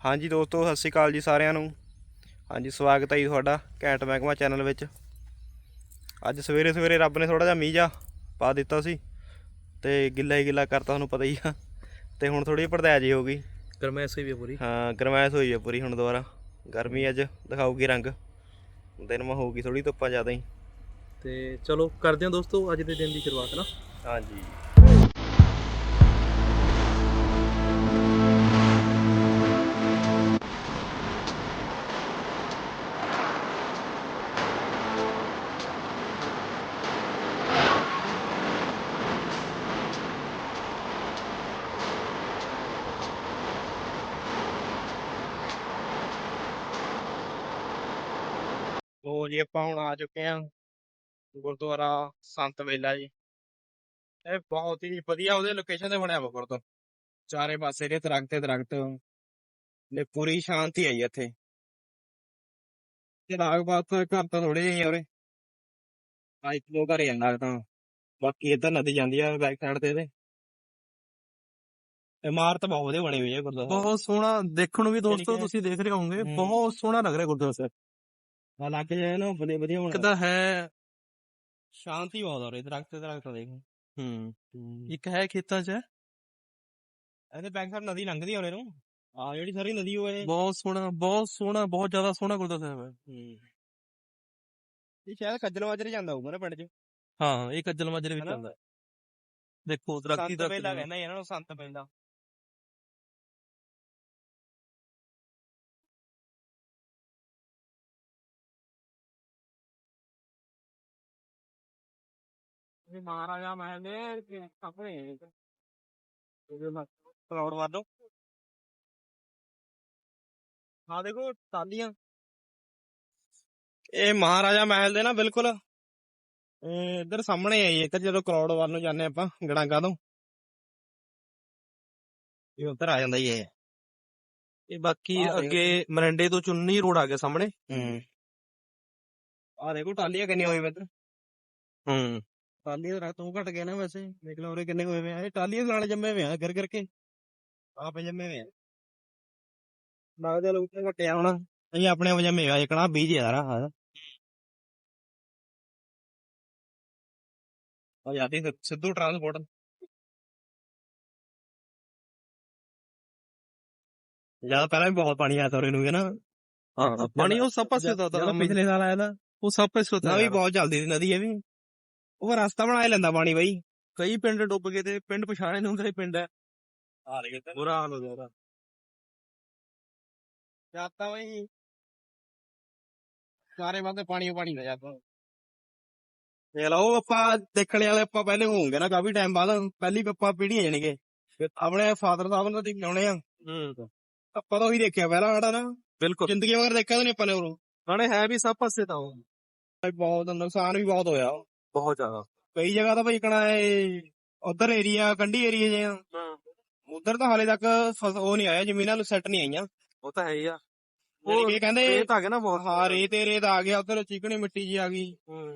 ਹਾਂਜੀ ਦੋਸਤੋ, ਸਤਿ ਸ਼੍ਰੀ ਅਕਾਲ ਜੀ ਸਾਰਿਆਂ ਨੂੰ। ਹਾਂਜੀ, ਸਵਾਗਤ ਹੈ ਜੀ ਤੁਹਾਡਾ ਘੈਂਟ ਮਹਿਕਮਾ ਚੈਨਲ ਵਿੱਚ। ਅੱਜ ਸਵੇਰੇ ਸਵੇਰੇ ਰੱਬ ਨੇ ਥੋੜ੍ਹਾ ਜਿਹਾ ਮੀਂਹ ਜਿਹਾ ਪਾ ਦਿੱਤਾ ਸੀ ਅਤੇ ਗਿੱਲਾ ਹੀ ਗਿੱਲਾ ਕਰਤਾ, ਤੁਹਾਨੂੰ ਪਤਾ ਹੀ ਆ। ਅਤੇ ਹੁਣ ਥੋੜ੍ਹੀ ਜਿਹੀ ਭੜਦੈ ਜੀ ਹੋ ਗਈ, ਗਰਮੈਸ਼ ਹੋਈ ਵੀ ਪੂਰੀ। ਹਾਂ, ਗਰਮੈਸ਼ ਹੋਈ ਹੈ ਪੂਰੀ। ਹੁਣ ਦੁਬਾਰਾ ਗਰਮੀ ਅੱਜ ਦਿਖਾਊਗੀ ਰੰਗ, ਦਿਨ ਮਾ ਹੋਊਗੀ ਥੋੜ੍ਹੀ ਧੁੱਪਾਂ ਜ਼ਿਆਦਾ ਹੀ। ਤੇ ਚਲੋ ਕਰਦੇ ਹਾਂ ਦੋਸਤੋ ਅੱਜ ਦੇ ਦਿਨ ਦੀ ਸ਼ੁਰੂਆਤ ਨਾ। ਹਾਂਜੀ, ਲੋ ਜੀ ਆਪਾਂ ਹੁਣ ਆ ਚੁੱਕੇ ਹਾਂ ਗੁਰਦੁਆਰਾ ਸੰਤ ਵੇਲਾ ਜੀ। ਇਹ ਬਹੁਤ ਹੀ ਵਧੀਆ ਉਹਦੇ ਲੋਕੇਸ਼ਨ ਤੇ ਬਣਿਆ ਵਾ ਗੁਰਦੁਆਰਾ, ਚਾਰੇ ਪਾਸੇ ਦੇ ਦਰਖਤ ਦਰਖਤ ਨੇ, ਪੂਰੀ ਸ਼ਾਂਤੀ ਆਈ ਇੱਥੇ। ਤੇ ਲਾਗ ਬਾਤ ਘਰ ਤਾਂ ਥੋੜੇ ਜਿਹੇ ਉਰੇ, ਇੱਕ ਦੋ ਘਰ ਜਾਂਦਾ ਤਾਂ, ਬਾਕੀ ਇੱਧਰ ਨਦੀ ਜਾਂਦੀ ਆ ਬੈਕ ਸਾਈਡ ਤੇ। ਇਹਦੇ ਇਮਾਰਤ ਬਹੁਤ ਵਧੀਆ ਬਣੀ ਹੋਈ ਹੈ ਗੁਰਦੁਆਰਾ। ਬਹੁਤ ਸੋਹਣਾ ਦੇਖਣ ਨੂੰ ਵੀ ਦੋਸਤੋ, ਕਿ ਤੁਸੀਂ ਦੇਖ ਰਹੇ ਹੋਵੋਗੇ ਬਹੁਤ ਸੋਹਣਾ ਲੱਗ ਰਿਹਾ ਗੁਰਦੁਆਰਾ ਸਾਹਿਬ। ਲੱਗ ਜਾਏ ਨਾ ਵਧੀਆ ਵਧੀਆ ਹੋਣਾ, ਕਿੱਦਾਂ ਹੈ, ਸ਼ਾਂਤੀ ਬਹੁਤ ਆ ਰਹੀ, ਦਰਖਤ ਦਰਖਤ ਦੇਖ। ਇੱਕ ਹੈ ਖੇਤਾਂ 'ਚ ਹੈ। ਇਹਦੇ ਬੈਕ ਸਾਈਡ ਨਦੀ ਲੰਘਦੀ ਆ ਉਰੇ ਨੂੰ, ਆ ਜਿਹੜੀ ਸਾਰੀ ਨਦੀ ਉਹ ਇਹ ਬਹੁਤ ਸੋਹਣਾ, ਬਹੁਤ ਸੋਹਣਾ, ਬਹੁਤ ਜ਼ਿਆਦਾ ਸੋਹਣਾ ਗੁਰਦੁਆਰਾ ਸਾਹਿਬ ਹੈ। ਇਹ ਸ਼ਾਇਦ ਖੱਜਲ ਮਾਜਰੇ ਜਾਂਦਾ ਹੋਊਗਾ ਨਾ ਪਿੰਡ 'ਚ। ਹਾਂ, ਇਹ ਕੱਜਲ ਮਾਜਰੇ ਵਿੱਚ ਆਉਂਦਾ। ਦੇਖੋ ਦਰਖਤੀ ਸੰਤ ਵੇਲਾ ਦਰਖਤ। ਕਹਿੰਦਾ ਇਹਨਾਂ ਨੂੰ, ਸੰਤ ਵੇਲਾ। ਮਹਾਰਾਜਾ ਮਹਿਲ ਦੇ ਆਪਣੇ ਕਰਾਉਡ ਵਾਦੋ। ਹਾਂ ਦੇਖੋ ਟਾਲੀਆਂ, ਇਹ ਮਹਾਰਾਜਾ ਮਹਿਲ ਦੇ ਨਾ ਬਿਲਕੁਲ ਇੱਧਰ ਸਾਹਮਣੇ ਆਈ ਇੱਧਰ, ਜਦੋਂ ਕਰੋੜ ਵੱਲ ਨੂੰ ਜਾਂਦੇ ਆਪਾਂ ਗੜਾਂਗਾ ਤੋਂ, ਇਹ ਉੱਧਰ ਆ ਜਾਂਦਾ ਹੀ ਇਹ। ਇਹ ਬਾਕੀ ਅੱਗੇ ਮਰਿੰਡੇ ਤੋਂ ਚੁੰਨੀ ਰੋਡ ਆ ਗਿਆ ਸਾਹਮਣੇ। ਆਹ ਦੇਖੋ ਟਾਲੀਆਂ ਕਿੰਨੀਆਂ ਹੋਈ ਇੱਧਰ। ਟਾਲੀਆਂ ਦਾ ਤੂੰ ਘਟ ਗਿਆ ਨਾ ਵੈਸੇ, ਦੇਖ ਲਓ ਉਰੇ ਕਿੰਨੇ ਹੋਏ ਵੇ ਆ। ਇਹ ਟਾਲੀਆਂ ਨਾਲ ਜੰਮੇ ਵੇ ਆ, ਗਿਰ ਗਿਰ ਕੇ ਆਪੇ ਜੰਮੇ ਵੇ ਆ। ਲੱਗਦਾ ਲੋਕ ਘਟਿਆ ਹੋਣਾ, ਅਸੀਂ ਆਪਣੇ ਆਪ ਜੰਮੇ ਆ। ਇਕਣਾ ਬੀਜ ਯਾਰ ਆ ਜਾਂਦੀ ਸਿੱਧੂ ਟਰਾਂਸਪੋਰਟ। ਜਿਆਦਾ ਪਹਿਲਾਂ ਵੀ ਬਹੁਤ ਪਾਣੀ ਆਇਆ ਤਾ ਉਰੇ ਨੂੰ ਨਾ। ਹਾਂ, ਪਾਣੀ ਉਹ ਸਭ ਪਾਸੇ ਦਾ ਜਦੋਂ ਪਿਛਲੇ ਸਾਲ ਆਇਆ ਤਾਂ ਉਹ ਸਭ ਪਾਸੇ ਨਾ ਵੀ ਬਹੁਤ ਚੱਲਦੀ ਸੀ ਨਦੀ। ਇਹ ਵੀ ਉਹ ਰਸਤਾ ਬਣਾ ਲੈਂਦਾ ਪਾਣੀ ਬਾਈ। ਕਈ ਪਿੰਡ ਡੁੱਬ ਗਏ ਤੇ ਪਿੰਡ ਪਛਾਣੇ ਨੂੰ ਹੁੰਦੇ ਪਿੰਡ ਹੈ। ਬੁਰਾ ਹਾਲ ਹੋ ਗਿਆ ਉਹਦਾ। ਜਾਤਾ ਬਾਈ ਸਾਰੇ ਪਾਸੇ ਪਾਣੀ ਪਾਣੀ ਦਾ ਜਾਤਾ। ਦੇਖ ਲਓ ਆਪਾਂ ਦੇਖਣੇ ਵਾਲੇ, ਆਪਾਂ ਪਹਿਲੇ ਹੋਵਾਂਗੇ ਨਾ ਕਾਫੀ ਟਾਈਮ ਬਾਅਦ, ਪਹਿਲੀ ਆਪਾਂ ਪੀੜ੍ਹੀਆਂ ਜਾਣਗੇ ਆਪਣੇ ਫਾਦਰ ਸਾਹਿਬ ਨੂੰ ਦਿਖਾਉਣੇ ਆ। ਆਪਾਂ ਤਾਂ ਉਹੀ ਦੇਖਿਆ ਪਹਿਲਾਂ ਸਾਡਾ ਨਾ, ਬਿਲਕੁਲ ਜ਼ਿੰਦਗੀ ਵਗੈਰਾ ਦੇਖਿਆ ਤਾਂ ਨੀ ਆਪਾਂ ਨੇ ਉਰੋਂ। ਨਾਲੇ ਹੈ ਵੀ ਸਭ ਪਾਸੇ ਤਾਂ ਉਹ ਬਹੁਤ ਨੁਕਸਾਨ ਵੀ ਬਹੁਤ ਹੋਇਆ ਬਹੁਤ ਜ਼ਿਆਦਾ। ਕਈ ਜਗ੍ਹਾ ਤਾਂ ਭਾਈ ਕਣਾ ਉਧਰ ਏਰੀਆ ਕੰਢੀ ਏਰੀਏ ਜੇ ਆ, ਉਧਰ ਤਾਂ ਹਾਲੇ ਤੱਕ ਉਹ ਨੀ ਆਇਆ, ਜ਼ਮੀਨਾਂ ਨੂੰ ਸੈੱਟ ਨੀ ਆਈਆਂ। ਉਹ ਤਾਂ ਹੈ ਹੀ ਆ। ਉਹ ਕਹਿੰਦੇ ਰੇਤ ਆ ਗਿਆ ਨਾ ਬਹੁਤ। ਹਾਂ, ਰੇਤ ਰੇਤ ਆ ਗਿਆ ਉਧਰ, ਚੀਕਣੀ ਮਿੱਟੀ ਜੀ ਆ ਗਈ।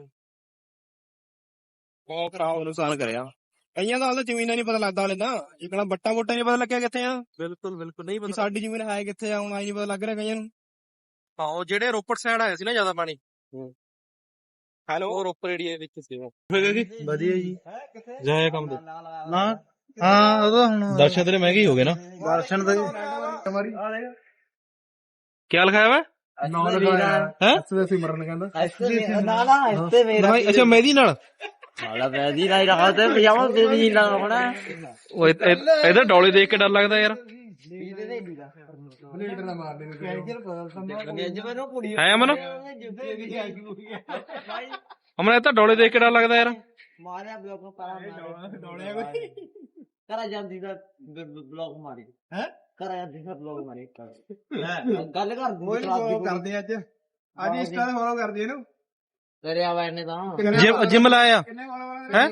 ਬਹੁਤ ਖਰਾਬ ਨੁਕਸਾਨ ਕਰਿਆ ਕਈਆਂ ਦਾ। ਹਾਲੇ ਜ਼ਮੀਨਾਂ ਨੀ ਪਤਾ ਲੱਗਦਾ, ਹਾਲੇ ਤਾਂ ਜਿਕਣਾ ਬੱਟਾ ਬੋਟਾ ਨੀ ਪਤਾ ਲੱਗਿਆ ਕਿੱਥੇ ਆ। ਬਿਲਕੁਲ ਬਿਲਕੁਲ ਨਹੀਂ ਪਤਾ ਸਾਡੀ ਜ਼ਮੀਨ ਹੈ ਕਿੱਥੇ ਆ, ਹੁਣ ਆਈ ਨੀ ਪਤਾ ਲੱਗ ਰਿਹਾ ਕਈਆਂ ਨੂੰ। ਹਾਂ, ਉਹ ਜਿਹੜੇ ਰੋਪੜ ਸਾਈਡ ਆਇਆ ਸੀ ਨਾ ਜ਼ਿਆਦਾ ਪਾਣੀ, ਹੈਲੋ, ਉਹ ਰੋਪੜ ਏਰੀਏ ਵਿੱਚ ਸੀ। ਵਧੀਆ ਜੀ। ਜਾਇਆ ਕੰਮ ਦੇ ਨਾ ਹਾਂ, ਉਹਦਾ ਹੁਣ ਦਰਸ਼ਨ ਤੇਰੇ ਮਹਿੰਗੇ ਹੀ ਹੋ ਗਏ ਨਾ। ਦਰਸ਼ਨ ਦੇ ਕੀ ਲਿਖਾਇਆ ਵਾ ਹੈ? ਸਿਮਰਨ ਕਹਿੰਦਾ ਅੱਛਾ, ਮਹਿੰਦੀ ਨਾਲ ਉਹ ਇਹਦਾ ਡੋਲੇ ਦੇਖ ਕੇ ਡਰ ਲੱਗਦਾ ਯਾਰ। ਹੈ ਅਮਨ, ਅਮਨ ਇਹ ਤਾਂ ਡੋਲੇ ਦੇਖ ਕੇ ਡਰ ਲੱਗਦਾ ਯਾਰ। ਕਰਾ ਜਾਂਦੀ ਦਾ ਬਲੌਗ ਮਾਰੀ ਹੈ, ਕਰਾ ਜਾਂਦੀ ਦਾ ਬਲੌਗ ਮਾਰੀ ਗੱਲ ਕਰਦੇ ਅੱਜ ਇੰਸਟਾ ਤੇ ਫੋਲੋ ਕਰਦੇ ਇਹਨੂੰ। ਤੇਰੇ ਆਵਾਜ਼ ਨੇ ਤਾਂ ਜਿਮ ਲਾਇਆ ਹੈ।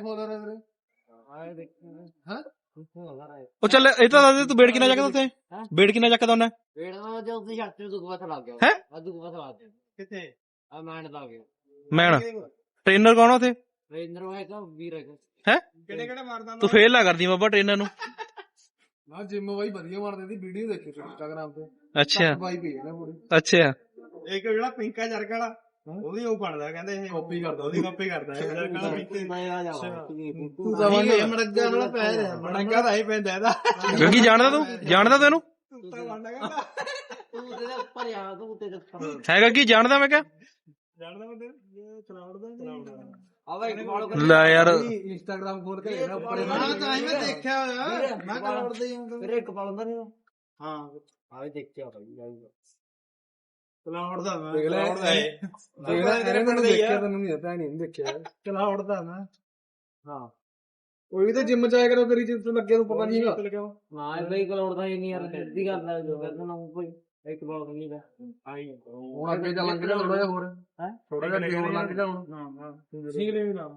ਉਹ ਚੱਲ ਇਹ ਤਾਂ ਦੱਸ ਦੇ, ਤੂੰ ਵੇਟ ਕਿੰਨਾ ਚੱਕਦਾ ਉੱਥੇ? ਵੇਟ ਕਿੰਨਾ ਚੱਕਦਾ ਉਹਨੇ? ਵੇੜ ਜੋ ਤੁਸੀਂ ਛੱਤ ਨੂੰ ਦੁੱਖ ਪਤਾ ਲੱਗ ਗਿਆ ਹੈ। ਦੁੱਖ ਪਤਾ ਲੱਗ ਗਿਆ ਕਿੱਥੇ ਆ ਮੈਂਡ ਲੱਗ ਗਿਆ। ਮੈਨ ਟ੍ਰੇਨਰ ਕੌਣ ਆ ਉੱਥੇ? ਟ੍ਰੇਨਰ ਹੈ ਤਾਂ ਵੀਰ ਹੈ। ਹੈ ਕਿਹੜੇ ਕਿਹੜੇ ਮਾਰਦਾ ਤੂੰ ਫੇਲ ਨਾ ਕਰਦੀ ਬਾਬਾ ਟ੍ਰੇਨਰ ਨੂੰ। ਨਾ ਜਿੰਮ ਬਾਈ ਵਧੀਆ ਮਾਰਦੇ ਸੀ ਵੀਡੀਓ ਦੇਖੀ ਸੀ ਇੰਸਟਾਗ੍ਰਾਮ ਤੇ ਅੱਛਾ ਬਾਈ ਪਈ ਨਾ ਪੂਰੀ ਅੱਛਾ ਇੱਕ ਜਿਹੜਾ ਪਿੰਕਾ ਜਰਗ ਵਾਲਾ ਉਹਦੀ ਉਹ ਬਣਦਾ ਕਹਿੰਦੇ ਇਹ ਕਾਪੀ ਕਰਦਾ ਉਹਦੀ ਕਾਪੀ ਕਰਦਾ ਇਹ ਜਰਗ ਵਾਲਾ ਪਿੰਕੇ ਮੈਂ ਆ ਜਾ ਤੂੰ ਤਾਂ ਇਹ ਮੜੱਗਾ ਵਾਲਾ ਪੈ ਰਿਹਾ ਮੜੰਗਾ ਤਾਂ ਹੀ ਪੈਂਦਾ ਇਹਦਾ ਗੱਗੀ ਜਾਣਦਾ ਤੂੰ ਇਹਨੂੰ ਕੁੱਤਾ ਬਣਦਾ ਕਹਿੰਦਾ ਤੂੰ ਤੇਰੇ ਉੱਪਰ ਆ ਤੂੰ ਤੇਰੇ ਉੱਪਰ ਹੈ ਗੱਗੀ ਜਾਣਦਾ ਮੈਂ ਕਿਹਾ ਜਾਣਦਾ ਬੰਦੇ ਚਲਾਉੜਦਾ ਆ ਬਾਈ ਫੋਲੋ ਕਰ ਲੈ ਯਾਰ ਇੰਸਟਾਗ੍ਰਾਮ ਖੋਲ ਕੇ ਦੇਖਣਾ ਉੱਪਰ ਹਾਂ ਤਾਂ ਮੈਂ ਦੇਖਿਆ ਹੋਇਆ ਮੈਂ ਕਰਾਉੜਦਾ ਹੀ ਹਾਂ ਤੇਰੇ ਇੱਕ ਪਾਲ ਹੁੰਦਾ ਨਹੀਂ ਹਾਂ ਆ ਵੀ ਦੇਖਿਆ ਬਾਈ ਆਊਗਾ ਚਲਾਉੜਦਾ ਮੈਂ ਦੇਖ ਲੈ ਦੇਖ ਲੈ ਇਹਨੇ ਮੈਨੂੰ ਦੇਖਿਆ ਤੈਨੂੰ ਨਹੀਂ ਪਤਾ ਨਹੀਂ ਦੇਖਿਆ ਚਲਾਉੜਦਾ ਨਾ ਹਾਂ ਕੋਈ ਵੀ ਤਾਂ ਜਿੰਮ ਚ ਆਇਆ ਕਰੋ ਤੇਰੀ ਜਿੰਮ ਤੋਂ ਲੱਗੇ ਨੂੰ ਪਤਾ ਨਹੀਂ ਹੈਗਾ ਨਾ ਬਈ ਕਲੋੜਦਾ ਹੀ ਨਹੀਂ ਯਾਰ ਸਿੱਧੀ ਗੱਲ ਹੈ ਜੋ ਕਹਿੰਦਾ ਨਾ ਕੋਈ ਇੱਕ ਬਾਲ ਨਹੀਂ ਦਾ ਆਈ ਹੁਣ ਅੱਗੇ ਜਾ ਲੰਘ ਜਾ ਥੋੜਾ ਜਿਹਾ ਹੋਰ ਹੈ ਥੋੜਾ ਜਿਹਾ ਅੱਗੇ ਹੋਰ ਲੰਘ ਜਾ ਹੁਣ ਸਿੰਗਲੇ ਵੀ ਨਾ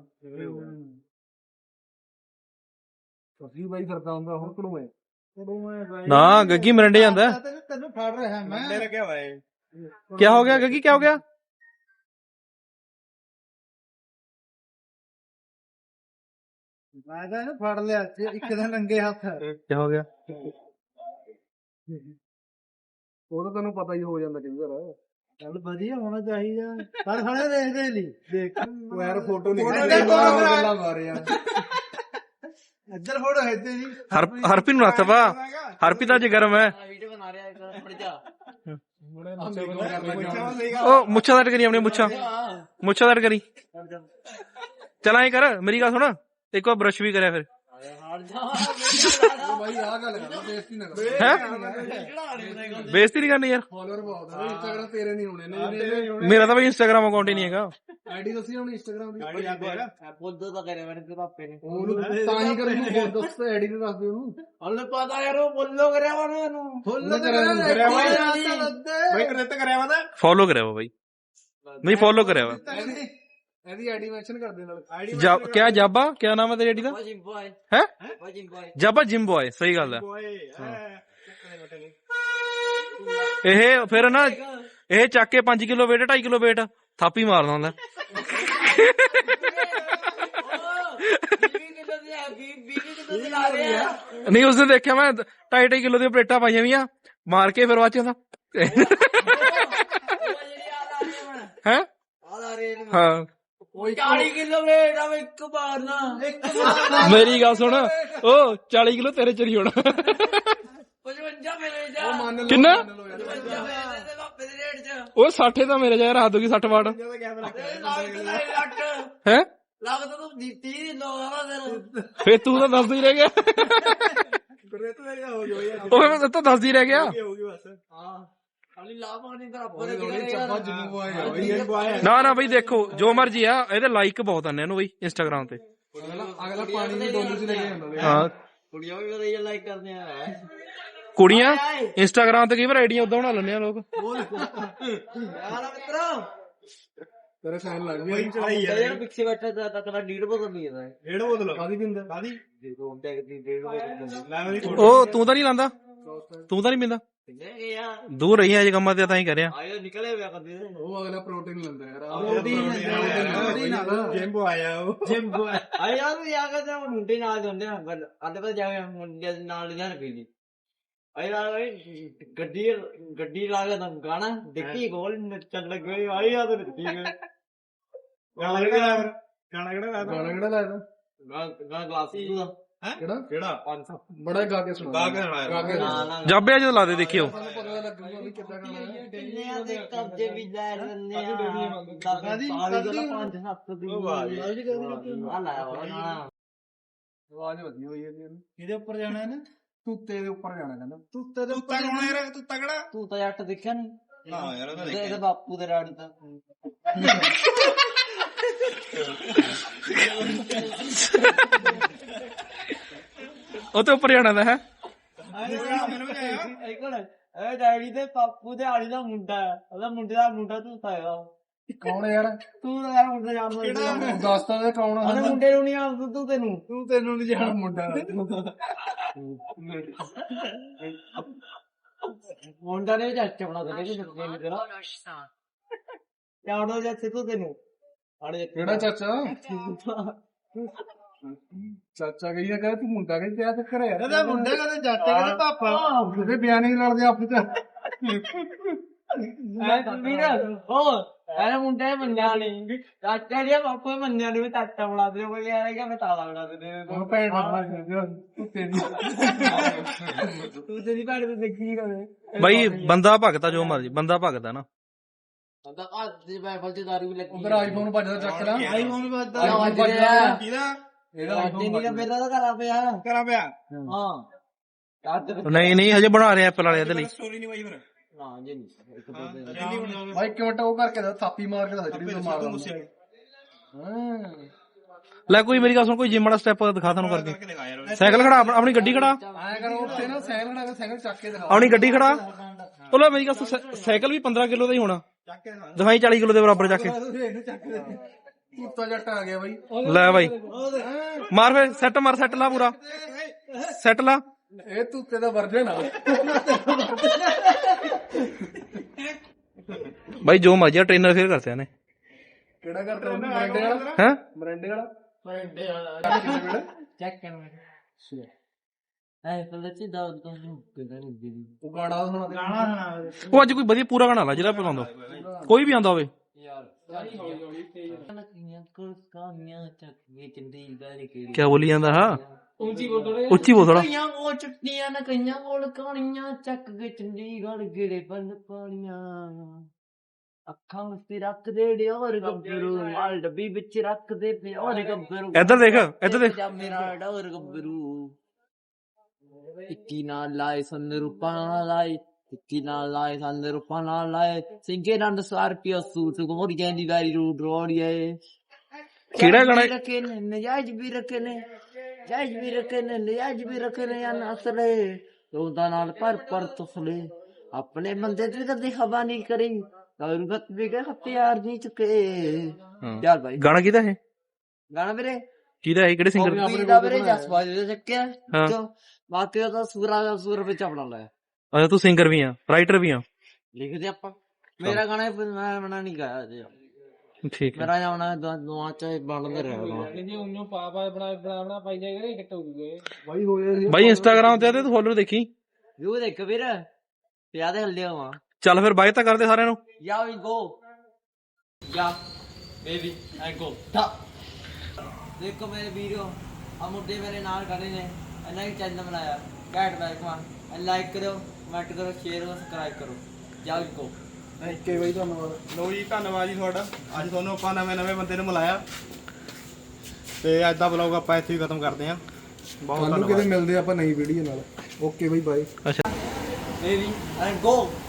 ਤੁਸੀਂ ਬਾਈ ਕਰਦਾ ਹੁੰਦਾ ਹੁਣ ਕੜੂ ਮੈਂ ਨਾ ਗੱਗੀ ਮਰੰਡੇ ਜਾਂਦਾ ਤੈਨੂੰ ਫੜ ਰਿਹਾ ਮੈਂ ਮੰਡੇ ਲੱਗਿਆ ਹੋਇਆ ਏ ਕੀ ਹੋ ਗਿਆ ਗੱਗੀ ਕੀ ਹੋ ਗਿਆ ਮੈਂ ਤਾਂ ਇਹਨੂੰ ਫੜ ਲਿਆ ਇੱਕ ਦਿਨ ਰੰਗੇ ਹੱਥ ਕੀ ਹੋ ਗਿਆ ਉਹ ਤਾਂ ਤੈਨੂੰ ਪਤਾ ਹੀ ਹੋ ਜਾਂਦਾ ਕਈ ਵਾਰ ਚੱਲ ਵਧੀਆ ਹੋਣਾ ਚਾਹੀਦਾ ਪਰ ਖੜੇ ਦੇਖਦੇ ਨਹੀਂ ਦੇਖ ਉਹ ਯਾਰ ਫੋਟੋ ਨਹੀਂ ਗੱਲਾਂ ਮਾਰੇ ਯਾਰ ਇੱਧਰ ਫੋਟੋ ਹੈ ਤੇ ਨਹੀਂ ਹਰਪੀ ਨੂੰ ਹੱਥ ਪਾ ਹਰਪੀ ਤਾਂ ਅੱਜ ਗਰਮ ਹੈ ਵੀਡੀਓ ਬਣਾ ਰਿਹਾ ਇੱਕ ਫੜ ਜਾ ਉਹ ਮੁੱਛਾਂ ਦਾ ਕਰੀ ਆਪਣੀ ਮੁੱਛਾਂ ਦਾ ਕਰੀ ਚਲ ਐਂ ਕਰ ਮੇਰੀ ਗੱਲ ਸੁਣ ਇੱਕ ਵਾਰ ਬਰਸ਼ ਵੀ ਕਰਿਆ ਫਿਰ ਬਾਈ ਆਹ ਗੱਲ ਕਰਦਾ ਬੇਇੱਜ਼ਤੀ ਨਾ ਕਰ ਹੈ ਬੇਇੱਜ਼ਤੀ ਨਹੀਂ ਕਰਨੀ ਯਾਰ ਫਾਲੋਅਰ ਬਹੁਤ ਆ ਇੰਸਟਾਗ੍ਰਾਮ ਤੇਰੇ ਨਹੀਂ ਹੋਣੇ ਨੇ ਮੇਰਾ ਤਾਂ ਬਈ ਇੰਸਟਾਗ੍ਰਾਮ ਅਕਾਊਂਟ ਹੀ ਨਹੀਂ ਹੈਗਾ ਆਈਡੀ ਦੱਸੀ ਹੁਣ ਇੰਸਟਾਗ੍ਰਾਮ ਦੀ ਆਈਡੀ ਆ ਤੇਰਾ ਬੋਲਦਾ ਤਾਂ ਕਰਿਆ ਮੈਨੇ ਤੇ ਪਾਪੇ ਨੇ ਉਹਨੂੰ ਤਾਂ ਹੀ ਕਰੂ ਬਹੁਤ ਦੱਸ ਆਈਡੀ ਤੇ ਦੱਸ ਦੇ ਉਹਨੂੰ ਉਹਨੇ ਪਤਾ ਯਾਰ ਉਹ ਬੋਲੋ ਕਰਿਆ ਉਹਨੂੰ ਫੁੱਲ ਕਰਿਆ ਬਈ ਕਰੇਤ ਕਰਿਆ ਵਾ ਤਾਂ ਫੋਲੋ ਕਰਿਆ ਵਾ ਬਾਈ ਨਹੀਂ ਫੋਲੋ ਕਰਿਆ ਵਾ ਇਹਦੀ ਆਈਡੀ ਮੈਂਸ਼ਨ ਕਰ ਦੇ ਨਾਲ ਆਈਡੀ ਕਿਆ ਜਾਬਾ ਕਿਆ ਨਾਮ ਹੈ ਤੇਰੀ ਆਈਡੀ ਦਾ ਵਾਜਿੰਗ ਬॉय ਹੈ ਵਾਜਿੰਗ ਬॉय ਜਾਬਾ ਜਿਮ ਬॉय ਸਹੀ ਗੱਲ ਹੈ ਓਏ ਇਹ ਫਿਰ ਨਾ ਇਹ ਚੱਕ ਕੇ 5 ਕਿਲੋ weight 2.5 ਕਿਲੋ weight ਥਾਪੀ ਮਾਰਦਾ ਹੁੰਦਾ ਨਹੀਂ ਉਸ ਦਿਨ ਦੇਖਿਆ ਮੈਂ 2.5 ਕਿਲੋ ਦੀਆਂ ਪਲੇਟਾਂ ਪਾਈਆਂ ਵੀਆਂ ਮਾਰ ਕੇ ਫਿਰ ਬਾਅਦ ਚ ਹੈ ਹਾਂ 40 ਕਿਲੋ ਵੇਟ ਆ ਇੱਕ ਬਾਰ ਨਾ ਮੇਰੀ ਗੱਲ ਸੁਣ ਉਹ 40 ਕਿਲੋ ਤੇਰੇ ਚ ਨਹੀਂ ਹੋਣਾ 55 ਮੇਰੇ ਜਾ ਮੰਨ ਲਓ ਕਿੰਨਾ? 55 ਮੇਰੇ ਤੇ ਪਾਪੇ ਦੇ ਰੇਟ ਚ ਉਹ 60 ਤਾਂ ਮੇਰੇ ਯਾਰ ਹੱਦ ਹੋ ਗਈ 60 ਵਾਟ ਹੈ ਲੱਗਦਾ ਤੂੰ ਦਿੱਤੀ ਲੋਗਾ ਤੇਰਾ ਫੇਰ ਤੂੰ ਤਾਂ ਦੱਸਦਾ ਹੀ ਰਹਿ ਗਿਆ ਕਰੇਤ ਦਾ ਹੋ ਗਿਆ ਯਾਰ ਉਹ ਮੈਂ ਤਾਂ ਦੱਸਦਾ ਹੀ ਰਹਿ ਗਿਆ ਹੋ ਗਈ ਬਸ ਹਾਂ ਖਾਲੀ ਲਾ ਪਾਣੀ ਤੇਰਾ ਉਹਦੇ ਪਰੇ ਥੋੜੀ ਚੱਪਾ ਜਿੰਮੂ ਆਏਗਾ ਬਈ ਨਾ ਨਾ ਬਈ ਦੇਖੋ ਜੋ ਮਰਜੀ ਆ ਇਹਦੇ ਲਾਈਕ ਬਹੁਤ ਆਨੇ ਇਹਨੂੰ ਬਈ ਇੰਸਟਾਗ੍ਰਾਮ ਤੇ ਅਗਲਾ ਪਾਣੀ ਦੀ ਡੋਲੀ ਚ ਲੈ ਕੇ ਜਾਂਦਾ ਹਾਂ ਕੁੜੀਆਂ ਵੀ ਵਧੀਆ ਲਾਈਕ ਕਰਦੇ ਆ ਕੁੜੀਆਂ ਇੰਸਟਾਗ੍ਰਾਮ ਤੇ ਕਈ ਵਾਰ ਆਈਡੀਆਂ ਉਦਾਂ ਬਣਾ ਲੈਂਦੇ ਆ ਲੋਕ ਯਾਰ ਮਿੱਤਰੋ ਤੇਰੇ ਫੈਨ ਲੱਗ ਕੋਈ ਗਏ ਚੜਾਈ ਯਾਰ ਯਾਰ ਪਿੱਛੇ ਬੈਠਾ ਤਾਂ ਤੇਰਾ ਡੀਡ ਬਦਲ ਨਹੀਂ ਜਾਂਦਾ ਡੇਢ ਬੋਤਲ ਕਾਦੀ ਪਿੰਦਾ ਕਾਦੀ ਦੇਖੋ ਹੁਣ ਟੈਗ ਦੀ ਡੀਡ ਬਦਲ ਲੈ ਮੇਰੀ ਉਹ ਤੂੰ ਤਾਂ ਨਹੀਂ ਲਾਂਦਾ ਤੂੰ ਤਾਂ ਨਹੀਂ ਪੀਂਦਾ ਨਹੀਂ ਯਾਰ ਦੂਰ ਰਹੀ ਅੱਜ ਕੰਮਾਂ ਤੇ ਤਾਂ ਹੀ ਕਰਿਆ ਆਇਓ ਨਿਕਲੇ ਹੋਇਆ ਕਦੇ ਉਹ ਅਗਲਾ ਪ੍ਰੋਟੀਨ ਲੈਂਦਾ ਯਾਰ ਜਿੰਮ ਆਇਆ ਉਹ ਆ ਯਾਰ ਯਾ ਕੇ ਤਾਂ ਮੁੰਡੇ ਨਾਲ ਜਾਂਦੇ ਆ ਅੱਡੇ ਪਰ ਜਾ ਕੇ ਮੁੰਡੇ ਨਾਲ ਲਿਆ ਪੀ ਲਈ ਆ ਯਾਰ ਗੱਡੀ ਲਾ ਕੇ ਤਾਂ ਗਾਣਾ ਦੇਖੀ ਗੋਲ ਨੱਚਣ ਲੱਗੇ ਆ ਯਾਰ ਤੇ ਗਾਣਾ ਕਿਹੜਾ ਗਾਣਾ ਕਿਹੜਾ ਗਾਣਾ ਕਿਹੜਾ ਲਾਇਆ ਗਾਣਾ ਗਲਾਸੀ ਦਾ ਕਿਹੜਾ ਕਿਹੜਾ 500 ਬੜਾ ਗਾ ਕੇ ਸੁਣਾ ਗਾ ਕੇ ਸੁਣਾਇਆ। ਗਾ ਕੇ ਨਾ ਨਾ ਜਾਬੇ ਜਦੋਂ ਲਾ ਦੇ ਦੇਖਿਓ ਸਾਨੂੰ ਪਤਾ ਲੱਗੂਗਾ ਵੀ ਕਿੱਦਾਂ ਗਾਣਾ ਹੈ ਕਿੰਨਿਆਂ ਦੇ ਕਬਜ਼ੇ ਵੀ ਲੈ ਲੈਂਦੇ ਆ ਕਾਦੀ 5-7 ਦੀ ਉਹ ਵਾਹ ਜੀ। ਆ ਲਾਇਆ ਵਾ ਨਾ ਆਵਾਜ਼ ਵਧੀ ਹੋਈ ਹੈ ਇਹਦੀ ਕਿਹਦੇ ਉੱਪਰ ਜਾਣਾ ਇਹਨੇ ਤੂਤੇ ਦੇ ਉੱਪਰ ਜਾਣਾ ਕਹਿੰਦਾ ਤੂਤੇ ਦੇ ਤੂੰ ਤਗੜਾ ਯਾਰ ਤੂੰ ਤਗੜਾ ਤੂੰ ਤਾਂ ਜੱਟ ਦੇਖਿਆ ਨਹੀਂ ਨਾ ਯਾਰ ਉਹਦਾ ਇਹਦੇ ਦੇਖਿਆ ਬਾਪੂ ਦੇ ਰਾਣੀ ਤਾਂ ਉਹ ਤੇ ਉੱਪਰ ਜਾਣਾ ਦਾ ਹੈ ਮੈਨੂੰ ਵੀ ਆਇਆ ਇੱਕ ਮਿੰਟ ਇਹ ਡੈਡੀ ਦੇ ਪਾਪੂ ਦੇ ਆੜੀ ਦਾ ਮੁੰਡਾ ਹੈ ਉਹਦਾ ਮੁੰਡੇ ਦਾ ਮੁੰਡਾ ਤੂੰ ਤਾਏਗਾ ਕੌਣ ਹੈ ਯਾਰ ਤੂੰ ਤਾਂ ਯਾਰ ਮੁੰਡਾ ਜਾਣਦਾ ਦੱਸਦਾ ਤੇ ਕੌਣ ਉਹਦੇ ਹੈ ਮੁੰਡੇ ਨੂੰ ਨਹੀਂ ਆਉਂਦਾ ਤੂੰ ਤੈਨੂੰ ਤੈਨੂੰ ਨਹੀਂ ਜਾਣ ਮੁੰਡਾ ਮੁੰਡਾ ਨੇ ਜੱਟ ਬਣਾ ਦੇ ਕਿ ਨਹੀਂ ਤੇਰਾ ਯਾਰ ਉਹ ਜੱਟ ਤੂੰ ਤੈਨੂੰ ਆੜੇ ਕਿਹੜਾ ਚਾਚਾ ਚਾਚਾ ਕਹੀ ਨਾ ਕਹੇ ਤੂੰ ਮੁੰਡਾ ਕਹੀ ਤੇ ਕਰੇ ਯਾਰ ਇਹਦਾ ਮੁੰਡੇ ਕਦੇ ਚਾਚੇ ਕਦੇ ਪਾਪਾ ਉਹਦੇ ਬਿਆਨ ਹੀ ਲੜਦੇ ਆਪਸ ਚ ਵੀਰ ਐਨਾ ਮੁੰਡੇ ਮੰਨਿਆ ਨਹੀਂ ਚਾਚਾ ਜੀ ਪਾਪਾ ਮੰਨਿਆ ਨਹੀਂ ਚਾਚਾ ਬਣਾ ਦੇ ਕੋਈ ਯਾਰ ਕਿ ਮੈਂ ਤਾਲਾ ਬਣਾ ਦੇ ਉਹ ਭੈਣ ਮਾਰ ਤੂੰ ਤੇਰੀ ਤੂੰ ਤੇਰੀ ਭੈਣ ਤੇ ਦੇਖੀ ਕਰੇ ਬਾਈ ਬੰਦਾ ਭਗਤਾ ਜੋ ਮਰਜੀ ਬੰਦਾ ਭਗਤਾ ਨਾ ਬੰਦਾ ਘਰ ਦੀ ਬਾਈਬਲ ਤੇ ਦਾਰੂ ਵੀ ਲੱਗੀ ਉਧਰ ਆਈਫੋਨ ਵੱਜਦਾ ਚੱਕ ਲਾ ਆਈਫੋਨ ਵੱਜਦਾ ਆਈਫੋਨ ਵੱਜਦਾ ਕਿਹਦਾ ਇਹਦਾ ਆਈਫੋਨ ਆਈਫੋਨ ਨਹੀਂ ਮੇਰਾ ਤਾਂ ਕਰਾ ਪਿਆ ਕਰਾਂ ਪਿਆ ਹਾਂ ਕੱਦ ਨਹੀਂ ਨਹੀਂ ਹਜੇ ਬਣਾ ਰਹੇ ਐਪਲ ਵਾਲੇ ਇਹਦੇ ਲਈ ਸਟੋਰੀ ਨਹੀਂ ਬਾਈ ਫਿਰ ਨਾ ਜੀ ਨਹੀਂ ਇੱਕ ਦੋ ਦਿਨ ਜਲਦੀ ਬਣ ਜਾਵੇ ਭਾਈ ਕਿਉਂ ਉਹ ਕਰਕੇ ਦਾ ਥਾਪੀ ਮਾਰ ਕੇ ਦਾ ਜਿਹੜੀ ਤੂੰ ਮਾਰਦਾ ਹਾਂ ਲੈ ਕੋਈ ਮੇਰੀ ਗੱਲ ਸੁਣ ਕੋਈ ਜਿਮ ਵਾਲਾ ਸਟੈਪ ਦਿਖਾ ਤੁਹਾਨੂੰ ਕਰਕੇ ਕਰਕੇ ਦਿਖਾ ਯਾਰ ਸਾਈਕਲ ਖੜਾ ਆਪਣੀ ਗੱਡੀ ਖੜਾ ਆਇਆ ਕਰੋ ਉੱਥੇ ਨਾ ਸਾਈਕਲ ਖੜਾ ਕੇ ਸਾਈਕਲ ਚੱਕ ਕੇ ਦਿਖਾ ਆਪਣੀ ਗੱਡੀ ਖੜਾ ਉਹ ਲੈ ਮੇਰੀ ਗੱਲ ਸੁਣ, ਸਾਈਕਲ ਵੀ 15 ਕਿਲੋ ਦਾ ਹੀ ਹੋਣਾ ਚੱਕ ਕੇ ਦਿਖਾ ਦਿਖਾਈ 40 ਕਿਲੋ ਦੇ ਬਰਾਬਰ ਚੱਕ ਕੇ ਇਹਨੂੰ ਚੱਕ ਦੇ ਕੁੱਤਾ ਜੱਟ ਆ ਗਿਆ ਬਾਈ ਲੈ ਬਾਈ ਮਾਰ ਫੇ ਸੈੱਟ ਮਾਰ ਸੈੱਟ ਲਾ ਪੂਰਾ ਸੈੱਟ ਲਾ ਇਹ ਤੁੱਤੇ ਦਾ ਵਰਜਨ ਆ ਬਾਈ ਜੋ ਮਰਜੀ ਟ੍ਰੇਨਰ ਫੇਰ ਕਰਤੇ ਨੇ ਕਿਹੜਾ ਕਰਦਾ ਉਹ ਮਰੰਡੇ ਵਾਲਾ ਹੈ ਮਰੰਡੇ ਵਾਲਾ ਚੈੱਕ ਕਰ ਮੈਂ ਐ ਪਤਾ ਚੀ ਦਾ ਕਿਦਾਂ ਨਹੀਂ ਦੀ ਉਹ ਗਾਣਾ ਸੁਣਾ ਦੇ ਉਹ ਅੱਜ ਕੋਈ ਵਧੀਆ ਪੂਰਾ ਗਾਣਾ ਲਾ ਜਿਹੜਾ ਪਸੰਦ ਹੋ ਕੋਈ ਵੀ ਆਂਦਾ ਹੋਵੇ ਯਾਰ ਕੋਲ ਕਾਮੀਆਂ ਚੱਕ ਕੇ ਚੰਡੀਗੜ੍ਹ ਕਿਹੜੀ ਕੀ ਬੋਲੀ ਜਾਂਦਾ ਹਾਂ ਉੱਚੀ ਬੋਲ ਥੋੜਾ ਉੱਚੀ ਬੋਲ ਥੋੜਾ ਕਈਆਂ ਕੋਲ ਚੁੱਟੀਆਂ ਨਾ ਕਈਆਂ ਕੋਲ ਕਹਾਣੀਆਂ ਚੱਕ ਕੇ ਚੰਡੀਗੜ੍ਹ ਗੇੜੇ ਬੰਦ ਪਾਣੀਆਂ ਅੱਖਾਂ ਵਿੱਚ ਰੱਖ ਦੇ ਡਿਓਰ ਗੱਭਰੂ ਮਾਲ ਡੱਬੀ ਵਿੱਚ ਰੱਖ ਦੇ ਪਿਓਰ ਗੱਭਰੂ ਇੱਧਰ ਦੇਖ ਇੱਧਰ ਦੇਖ ਜਾ ਮੇਰਾ ਡੋਰ ਗੱਭਰੂ ਇੱਕੀ ਨਾਲ ਲਾਏ ਸੰਨ ਰੂਪਾਂ ਨਾਲ ਲਾਏ ਇੱਕੀ ਨਾਲ ਲਾਏ ਸੰਨ ਰੂਪਾਂ ਨਾਲ ਲਾਏ ਸਿੰਘੇ ਰੰਡ ਸਾਰਪੀਓ ਸੂਟ ਗੋਰੀਆਂ ਦੀ ਵਾਰੀ ਰੂਟ ਰੋੜੀਏ ਕਿਹੜਾ ਗਾਣਾ ਰੱਖੇ ਨੇ ਨਜਾਇਜ਼ ਵੀ ਰੱਖੇ ਨੇ ਜਾਇਜ਼ ਵੀ ਰੱਖੇ ਨੇ ਨਜਾਇਜ਼ ਵੀ ਰੱਖੇ ਨੇ ਜਾਂ ਨਸਲੇ ਰੋਂਦਾ ਨਾਲ ਪਰ ਤੁਸਲੇ ਆਪਣੇ ਬੰਦੇ ਤੇ ਕਦੇ ਹਵਾ ਨਹੀਂ ਕਰੀ ਰੁਗਤ ਵੀ ਗਏ ਹਥਿਆਰ ਨਹੀਂ ਚੁੱਕੇ ਚੱਲ ਭਾਈ ਗਾਣਾ ਕਿਹਦਾ ਇਹ ਗਾਣਾ ਵੀਰੇ ਕਿਹਦਾ ਹੈ ਕਿਹੜੇ ਸਿੰਗਰ ਦਾ ਵੀਰੇ ਜਸਪਾਲ ਦੇ ਚੱਕਿਆ ਹਾਂ। ਚੋ ਬਾਕੀ ਉਹਦਾ ਸੂਰ ਵਿੱਚ ਆਪਣਾ ਲਾਇਆ ਅੱਛਾ ਤੂੰ ਸਿੰਗਰ ਵੀ ਆ ਰਾਈਟਰ ਵੀ ਆ ਲਿਖਦੇ ਆਪਾਂ ਮੇਰਾ ਗਾਣਾ ਮੈਂ ਬਣਾ ਨਹੀਂ ਗਾਇਆ ਜੀ ਠੀਕ ਹੈ ਮੇਰਾ ਜਾਣਾ ਦੁਆ ਚ ਬਣਦਾ ਰਿਹਾ ਜੀ ਉਹਨੂੰ ਪਾਪਾ ਬਣਾ ਪਾਈ ਜਾਏਗਾ ਕਿੱਟ ਹੋ ਜੂਗੇ ਬਾਈ ਹੋਏ ਬਾਈ ਇੰਸਟਾਗ੍ਰਾਮ ਤੇ ਤੂੰ ਫੋਲੋ ਦੇਖੀ ਵਿਊ ਦੇਖ ਵੀਰ ਪਿਆ ਦੇ ਹੱਲੇ ਹੋਵਾਂ ਚੱਲ ਫਿਰ ਬਾਏ ਤਾਂ ਕਰਦੇ ਸਾਰਿਆਂ ਨੂੰ Yeah, we go. Yeah, baby, I go. Ta. देखो मेरे वीडियो हम मुद्दे मेरे नाल खड़े ने अन्ना ही चैनल बनाया कैट बैक वन लाइक करो कमेंट करो शेयर करो सब्सक्राइब करो जाओ इनको ਥੈਂਕ ਯੂ ਬਾਈ ਧੰਨਵਾਦ ਲੋ ਜੀ ਧੰਨਵਾਦ ਜੀ ਤੁਹਾਡਾ ਅੱਜ ਤੁਹਾਨੂੰ ਆਪਾਂ ਨਵੇਂ ਬੰਦੇ ਨੂੰ ਮਿਲਾਇਆ ਤੇ ਅੱਜ ਦਾ ਵਲੌਗ ਆਪਾਂ ਇੱਥੇ ਹੀ ਖਤਮ ਕਰਦੇ ਆਂ ਬਹੁਤ ਕੱਲ ਨੂੰ ਕਿਤੇ ਮਿਲਦੇ ਆਪਾਂ ਨਈ ਵੀਡੀਓ ਨਾਲ ਓਕੇ ਬਾਈ ਬਾਏ ਅੱਛਾ baby and go